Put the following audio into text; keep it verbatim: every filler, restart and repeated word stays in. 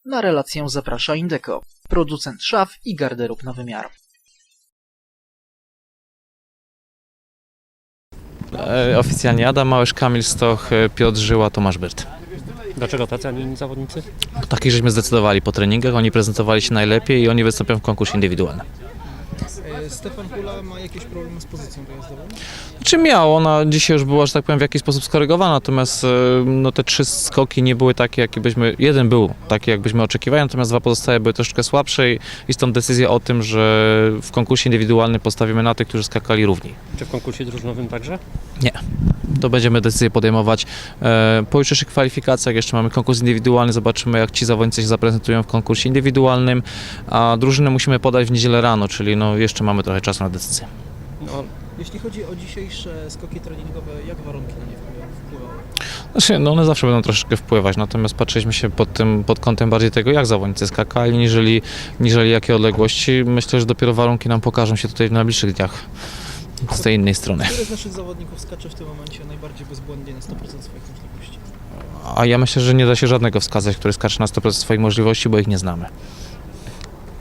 Na relację zaprasza Indeco, producent szaf i garderób na wymiar. E, oficjalnie Adam Małysz, Kamil Stoch, Piotr Żyła, Tomasz Byrt. Dlaczego tacy, a nie inni zawodnicy? Takich żeśmy zdecydowali po treningach, oni prezentowali się najlepiej i oni wystąpią w konkursie indywidualnym. Stefan Kula ma jakieś problemy z pozycją dojazdową? Czy miał? Ona dzisiaj już była, że tak powiem, w jakiś sposób skorygowana, natomiast e, no, te trzy skoki nie były takie, jakie byśmy, jeden był taki, jakbyśmy oczekiwali, natomiast dwa pozostałe były troszeczkę słabsze i, i stąd decyzja o tym, że w konkursie indywidualnym postawimy na tych, którzy skakali równi. Czy w konkursie drużynowym także? Nie. To będziemy decyzję podejmować e, po jutrzejszych kwalifikacjach. Jeszcze mamy konkurs indywidualny, zobaczymy, jak ci zawodnicy się zaprezentują w konkursie indywidualnym, a drużynę musimy podać w niedzielę rano, czyli no, jeszcze mamy trochę czasu na decyzję. No, Jeśli chodzi o dzisiejsze skoki treningowe, jak warunki na nie wpływały? Znaczy, no one zawsze będą troszeczkę wpływać, natomiast patrzyliśmy się pod tym, pod kątem bardziej tego, jak zawodnicy skakali, niżeli, niżeli jakie odległości. Myślę, że dopiero warunki nam pokażą się tutaj w najbliższych dniach z tej innej strony. Który z naszych zawodników skacze w tym momencie najbardziej bezbłędnie na sto procent swoich możliwości? A ja myślę, że nie da się żadnego wskazać, który skacze na sto procent swoich możliwości, bo ich nie znamy.